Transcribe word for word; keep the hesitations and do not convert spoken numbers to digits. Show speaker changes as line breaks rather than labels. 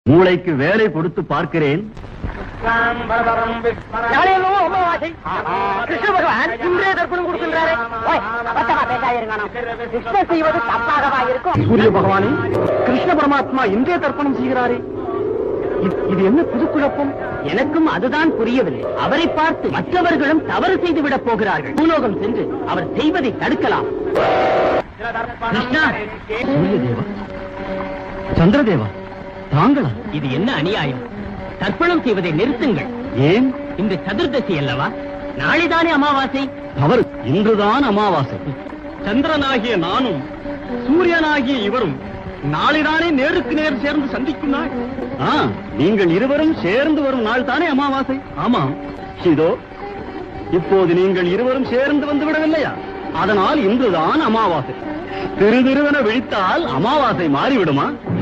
மூளைக்கு வேலை கொடுத்து பார்க்கிறேன்.
கிருஷ்ண பகவான் இன்றே தர்ப்பணம் கொடுக்கின்றாரே. செய்வது தப்பாகவா இருக்கும்?
சூரிய பகவானே, கிருஷ்ண பரமாத்மா இன்றே தர்ப்பணம் செய்கிறாரே, இது என்ன புது குழப்பம்?
எனக்கும் அதுதான் புரியவில்லை. அவரை பார்த்து மற்றவர்களும் தவறு செய்து விடப் போகிறார்கள். பூலோகம் சென்று அவர் செய்வதை தடுக்கலாம். கிருஷ்ணா,
சூரியதேவா, சந்திரதேவா, தாங்களா?
இது என்ன அநியாயம்? தர்ப்பணம் செய்வதை நிறுத்துங்கள்.
ஏன்?
இந்த சதுர்தசி அல்லவா? நாளைதானே அமாவாசை.
அவர் இன்றுதான் அமாவாசை. சந்திரனாகிய நானும் சூரியனாகிய இவரும் நாளைதானே நேருக்கு நேர் சேர்ந்து சந்திக்கும் நாள். நீங்கள் இருவரும் சேர்ந்து வரும் நாள் தானே அமாவாசை. ஆமாம். இதோ இப்போது நீங்கள் இருவரும் சேர்ந்து வந்து விடவில்லையா? அதனால் இன்றுதான் அமாவாசை. திரு திருவென விழித்தால் அமாவாசை மாறிவிடுமா?